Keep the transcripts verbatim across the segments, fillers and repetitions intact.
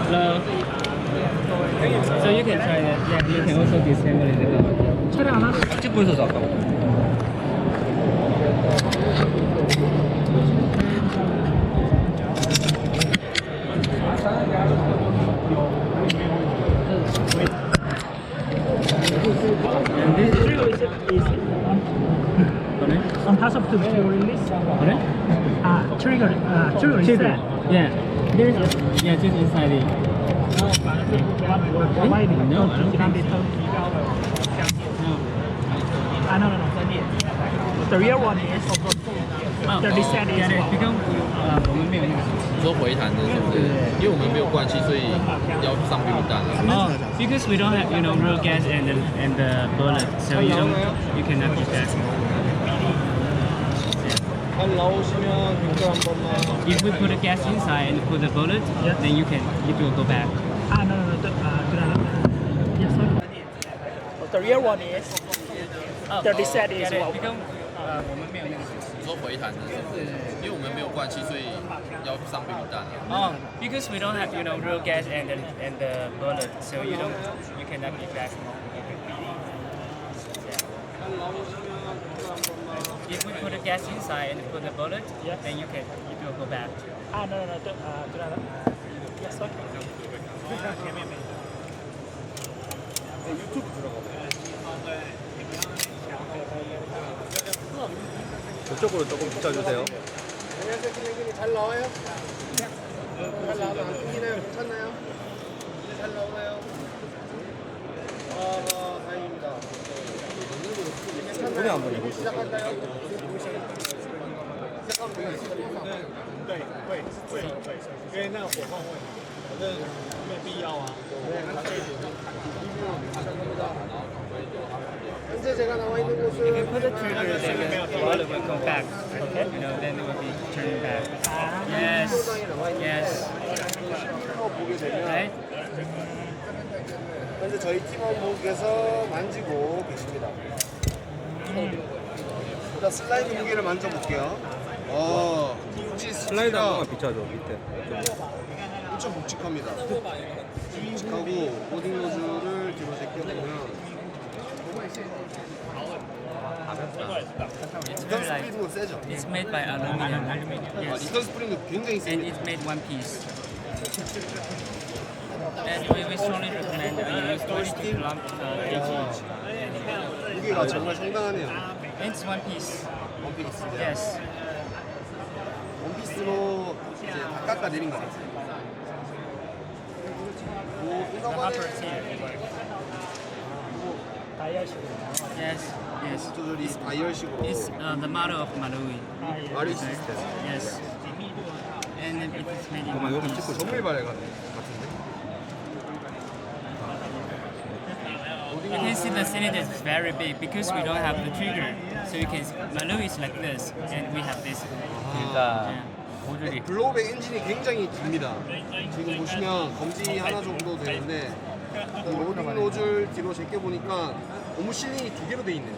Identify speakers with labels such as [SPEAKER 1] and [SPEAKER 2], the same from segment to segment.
[SPEAKER 1] Hello. So you can try that. Yeah, you can also disassemble it.
[SPEAKER 2] 차량 하나.
[SPEAKER 3] 찍고 있어서 아까.
[SPEAKER 1] And this is
[SPEAKER 2] Trigger is, is
[SPEAKER 1] Sorry?
[SPEAKER 2] on top of the release.
[SPEAKER 1] Sorry?
[SPEAKER 2] Ah, trigger. Uh, trigger is
[SPEAKER 1] Trigger.
[SPEAKER 2] there.
[SPEAKER 1] Yeah. There's a, yeah, just inside it.
[SPEAKER 2] Providing.
[SPEAKER 1] No, I don't
[SPEAKER 2] Can be
[SPEAKER 1] think
[SPEAKER 2] told.
[SPEAKER 1] No.
[SPEAKER 2] Ah, no, no, no. The real one is
[SPEAKER 1] Oh,
[SPEAKER 2] the reset is
[SPEAKER 1] yeah,
[SPEAKER 2] what?
[SPEAKER 1] because 呃我们没有那个。
[SPEAKER 3] 你说回弹的是不是？因为我们没有灌气，所以要上避孕弹了。
[SPEAKER 1] Oh, because we don't have, you know, real gas and the, and the bullet, so you don't, you cannot keep that.
[SPEAKER 3] 한 나오시면 빙글 한 번만.
[SPEAKER 1] If we put the gas inside and put the bullet,
[SPEAKER 2] Yeah.
[SPEAKER 1] then you can, it will go back.
[SPEAKER 2] Ah, no, no, no. The, uh, the, yes, sir. The real one is the reset is what?
[SPEAKER 1] because 呃我们没有那个。
[SPEAKER 3] 你说回弹的是不是？因为我们没有灌气，所以要上避孕弹了。
[SPEAKER 1] Oh, because we don't have, you know, real gas and the, and the bullet, so you don't, you cannot keep that. If we put the gas inside and put the bullet,
[SPEAKER 2] Yes.
[SPEAKER 1] then you can, it will go back.
[SPEAKER 2] Ah, no, no, no. The, uh, the, yes, sir.
[SPEAKER 4] 저쪽으로 조금 붙여주세요.
[SPEAKER 5] 안녕하세요, 선생님. 잘 나와요? 잘 나와요? 안 끊기나요? 괜찮나요? 잘 나오나요? 아, 다행입니다.
[SPEAKER 4] 손에 한번 해보세요.
[SPEAKER 5] 시작할까요? 시작하면 되겠습니다.
[SPEAKER 6] 对，会会会，因为那个火候会，反正没必要啊。
[SPEAKER 5] 현재 제가 나와 있는
[SPEAKER 1] If you
[SPEAKER 5] 곳은
[SPEAKER 1] put the trigger, then the bullet will come back. Okay. You know, then it will be turning back. Yes. Yes.
[SPEAKER 5] 보게 되면
[SPEAKER 1] Right?
[SPEAKER 5] 현재 저희 팀원분께서 만지고 계십니다. 일단 슬라이드 무게를 만져볼게요. 어, 혹시
[SPEAKER 4] 슬라이드 한
[SPEAKER 5] 스피드가
[SPEAKER 4] 번만 비춰줘 밑에.
[SPEAKER 5] 엄청 묵직합니다. 묵직하고 로딩 노즐을 뒤로 제껴보면
[SPEAKER 1] It's
[SPEAKER 5] 리턴
[SPEAKER 1] very light.
[SPEAKER 5] 스프링은 세죠?
[SPEAKER 1] It's made by aluminum.
[SPEAKER 5] 아,
[SPEAKER 1] Yes.
[SPEAKER 5] 리턴 스프링도 굉장히
[SPEAKER 1] And
[SPEAKER 5] 셉니다.
[SPEAKER 1] it's made one piece. And we, we strongly recommend uh, use twenty-two kilogram uh, kg.
[SPEAKER 5] 무게가 정말 상당하네요.
[SPEAKER 1] It's one piece.
[SPEAKER 5] 원피스인데
[SPEAKER 1] Yes.
[SPEAKER 5] 원피스로 이제 다 깎아내린 것 같아요. 뭐
[SPEAKER 1] The
[SPEAKER 5] 이거만에
[SPEAKER 1] hopper is here. Yes. Yes.
[SPEAKER 5] 조절이 다이얼식으로
[SPEAKER 1] It's uh, the model of Malawi.
[SPEAKER 5] 마리 시스템.
[SPEAKER 1] Yes. And it is made in
[SPEAKER 4] 그만
[SPEAKER 1] one
[SPEAKER 4] 요거
[SPEAKER 1] piece.
[SPEAKER 4] 찍고
[SPEAKER 5] 정밀 발열 같은데.
[SPEAKER 1] You can see the cylinder is very big because we don't have the trigger. So you can Malawi is like this, and we have this.
[SPEAKER 3] 그러니까
[SPEAKER 1] Yeah.
[SPEAKER 3] 모듈이
[SPEAKER 5] 블로우백 엔진이 굉장히 깁니다. 지금 보시면 검지 하나 정도 되는데 이 로딩 노즐 뒤로 제껴보니까 고무 실링이 두 개로 돼 있네요.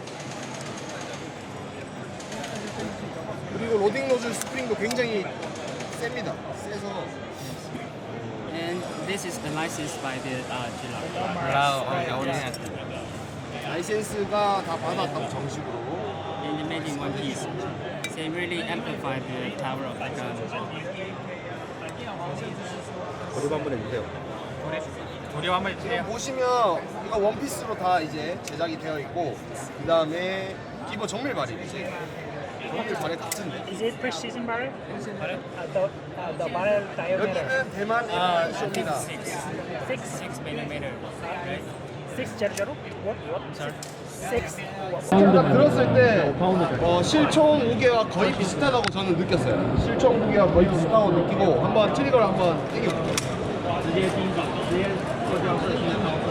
[SPEAKER 5] 그리고 로딩 노즐 스프링도 굉장히 셉니다. 세서
[SPEAKER 1] And this is the license by the uh, Gila.
[SPEAKER 3] 브라우 겨울에
[SPEAKER 5] 라이센스가 다 받았다고 정식으로.
[SPEAKER 1] And it made in one piece. So it really amplified the power of the gun.
[SPEAKER 4] 거듭 한번 해주세요.
[SPEAKER 3] 도료 한번 해주세요.
[SPEAKER 5] 보시면 이거 원피스로 다 이제 제작이 되어 있고 그 다음에 기본 정밀 발이 정밀 발에 같은데
[SPEAKER 2] Is it precision barrel? Uh, the, uh, the barrel diameter.
[SPEAKER 5] 여기는 대만
[SPEAKER 1] Uh, I think
[SPEAKER 5] 쇼입니다.
[SPEAKER 1] six.
[SPEAKER 2] Six.
[SPEAKER 1] Six millimeter. Right?
[SPEAKER 2] Six zero zero. What? What?
[SPEAKER 1] Sorry.
[SPEAKER 2] Six.
[SPEAKER 5] 제가 들었을 때 어, 실총 무게와 거의 비슷하다고 저는 느꼈어요. 실총 무게와 거의 비슷하다고 느끼고 한번 트리거를 한번 당겨볼게요.